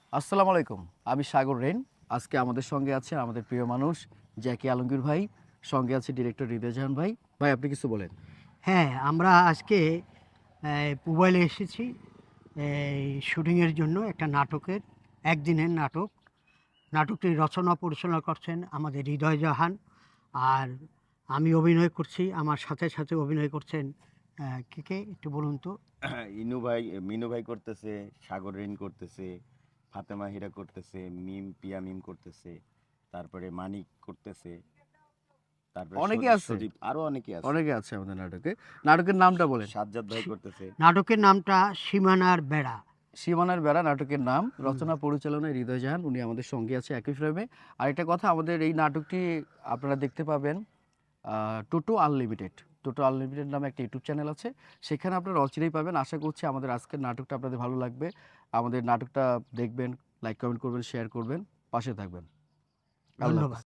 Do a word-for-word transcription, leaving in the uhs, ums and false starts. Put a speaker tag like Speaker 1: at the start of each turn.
Speaker 1: আসসালামু আলাইকুম। আমি সাগর রেন। আজকে আমাদের সঙ্গে আছে আমাদের প্রিয় মানুষ জ্যাকি আলমগীর ভাই, সঙ্গে আছে ডিরেক্টর হৃদয় জাহান ভাই। ভাই আপনি কিছু বলেন।
Speaker 2: হ্যাঁ, আমরা আজকে এই পুবাইলে এসেছি এই শুটিংয়ের জন্য একটা নাটকের একদিনের নাটক। নাটকটি রচনা পরিচালনা করছেন আমাদের হৃদয় জাহান। আর আমি অভিনয় করছি, আমার সাথে, সাথে অভিনয় করছেন অ্যা কে, কে একটু বলুন তো?
Speaker 3: ইনু ভাই মিনু ভাই করতেছে, সাগর রিন করতেছে, ফাতেমা হীরা করতেছে, মিম পিয়া মিম করতেছে, তারপরে মানিক করতেছে, তারপরে
Speaker 1: অনেকে
Speaker 3: সজীব
Speaker 1: আছে,
Speaker 3: সজীব আরো অনেকে আছে।
Speaker 1: অনেকে আছে আমাদের নাটকে। নাটকের নামটা বলেন।
Speaker 3: সাজ্জাদ ভাই
Speaker 2: সী
Speaker 3: করতেছে।
Speaker 2: নাটকের নামটা 'সীমানার বেড়া'।
Speaker 1: সীমানার বেড়া নাটকের নাম।
Speaker 2: হুম,
Speaker 1: রচনা পরিচালনায় হৃদয় জাহান, উনি আমাদের সঙ্গে আছে একই ফ্রেমে। আরেকটা কথা, আমাদের এই নাটকটি আপনারা দেখতে পাবেন আ টোটো আনলিমিটেড। টোটো আনলিমিটেড নামে একটা ইউটিউব চ্যানেল আছে। সেখানে আপনারা অচিরেই পাবেন। আশা করছি আমাদের আজকের নাটকটা আপনাদের ভালো লাগবে। আমাদের নাটকটা দেখবেন, লাইক, কমেন্ট করবেন, শেয়ার করবেন, পাশে থাকবেন। আল্লাহ
Speaker 2: ধন্যবাদ।
Speaker 1: হাফেজ।